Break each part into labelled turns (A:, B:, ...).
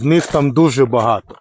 A: В них там дуже багато.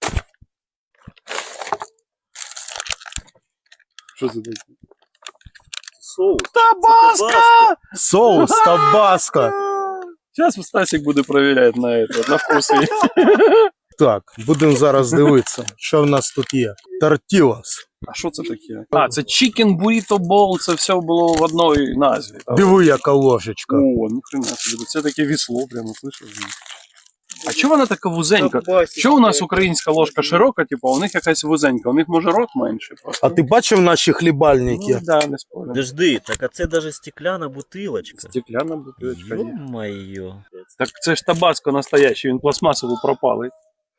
B: Що це таке? Соус.
C: Табаско!
A: Соус табаско.
B: Зараз Стасик буде перевіряти на вкус.
A: Так, будемо зараз дивитися, що в нас тут є. Тортілос.
B: А що це таке? А, це Chicken Burrito Bowl, це все було в одній назві. Так?
A: Диви, яка ложечка.
B: О, ніхрена собі, це таке вісло, прямо, слышиш? А чого вона така вузенька? Чого у нас українська ложка широка, типу, а у них якась вузенька? У них може рот менший просто?
A: А ти бачив наші хлібальники?
B: Ну, да, не спорю.
C: Подожди, так а це даже стекляна бутилочка.
B: Стекляна бутилочка є.
C: Ё-моё.
B: Так це ж табаско настоящий, він пластмасово пропалий.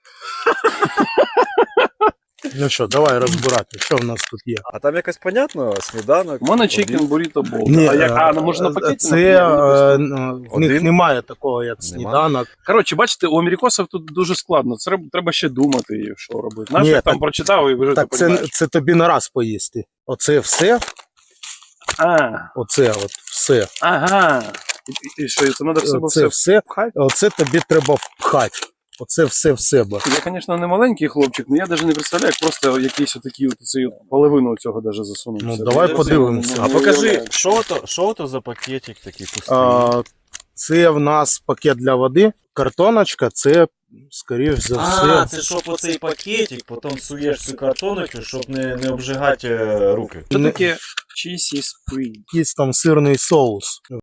A: Ну що, давай розбирати, що в нас тут є.
D: А там якось понятно, сніданок.
B: У мене Chicken Burrito Bowl.
A: Ні,
B: Може на пакеті?
A: це
B: наприклад?
A: в них
D: Один?
A: немає такого, як сніданок.
B: Коротше, бачите, у америкосів тут дуже складно. Це треба ще думати, що робити. Наш
A: Ні,
B: там
A: так-
B: прочитав і вже
A: Так це тобі на раз поїсти. Оце все, оце от все.
B: Ага. І що, це треба в себе
A: Оце
B: все
A: все,
B: пхати?
A: оце тобі треба впхати. Оце все в себе.
B: Я, звісно, не маленький хлопчик, але я навіть не представляю, як просто якісь отакі половину цього даже засунути.
A: Ну,
B: в себе.
A: давай
B: Я
A: подивимося.
B: не
D: А
B: уявляю.
D: покажи, що то за пакетик такий пустий?
A: Це в нас пакет для води. Картоночка, це, скоріш за
D: А,
A: все.
D: це щоб оцей пакетик, потім суєш цю картоночку, щоб не обжигати руки.
B: Що таке cheesy spring?
A: Якийсь там сирний соус.